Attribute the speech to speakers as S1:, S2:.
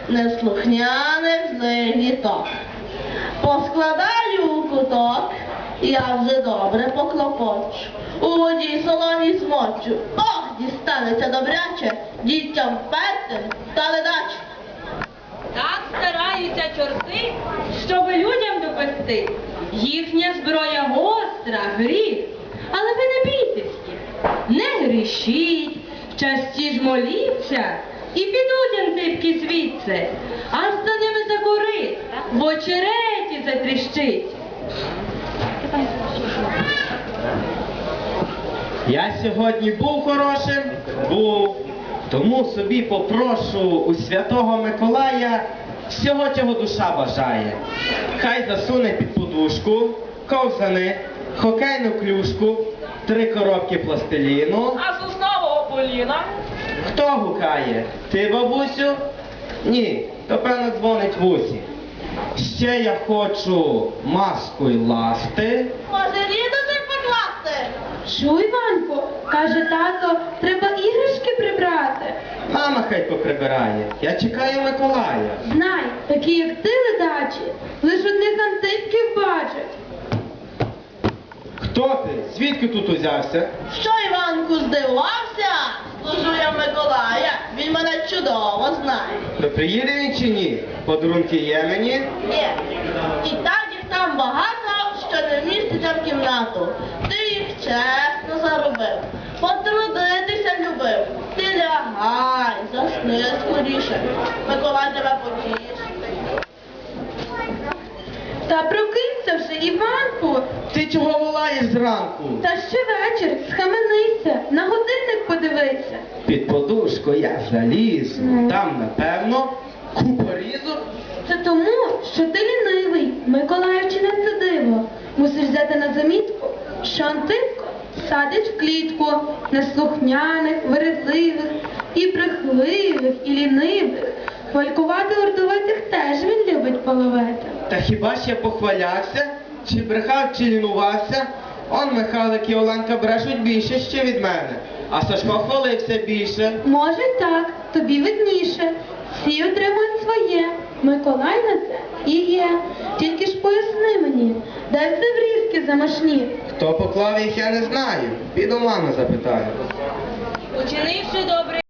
S1: неслухняних злих діток. Поскладаю у куток, я вже добре поклопочу. У воді солоні змочу. Ох, дістанеться добряче дітям пертим та ледаче.
S2: Так стараються чорти, щоб людям допекти. Їхня зброя гостра, гріх. Але ви не бійтеся, не грішіть, часті ж моліться, і підуть антипки звідси, аж за ними закурить, в очереті затріщить.
S3: Я сьогодні був хорошим? Був. Тому собі попрошу у Святого Миколая всього, чого душа бажає. Хай засуне під подушку, ковзани, хокейну клюшку, 3 коробки пластиліну.
S2: А соснового поліна?
S3: Хто гукає? Ти, бабусю? Ні, то певно дзвонить вусі. Ще я хочу маску й ласти.
S1: Може, рідочок покласти?
S4: Чуй, Іванко, каже тато, треба іграшки прибрати.
S3: Мама хай поприбирає. Я чекаю Миколая.
S4: Знай, такі як ти, ледачі, лиш одних антипків бачать.
S3: Хто ти? Звідки тут узявся?
S1: Що, Іванку, здивувався? Служу я в Миколая, він мене чудово знає.
S3: То приїде він чи ні? Подарунки є мені?
S1: Ні. І так їх там багато, що не вміститься в кімнату. Ти їх чесно заробив. Потрудитися любив. Ти лягай, засни скоріше. Миколай тебе потішить.
S4: Та прокинься вже, Іванку,
S3: Ти чого волаєш зранку?
S4: та ще вечір, схаменися, на годинник подивися.
S3: Під подушку я залізу. Там, напевно, купа різок.
S4: Це тому, що ти лінивий, Миколаївчине це диво. Мусиш взяти на замітку, що Антипко садить в клітку неслухняних, вередливих, і брехливих, і лінивих. Хвалькувати ордовитих теж він любить половити.
S3: Та хіба ж я похвалявся? Чи брехав, чи лінувався? Он Михайлик і Оленка брешуть більше ще від мене. А Сашко хвалився більше.
S4: Може так, тобі видніше. Всі отримують своє. Миколай на це і є. Тільки ж поясни мені, де це врізки замашні?
S3: Хто поклав їх, я не знаю. Піду мами запитаю.
S2: Учинивши добре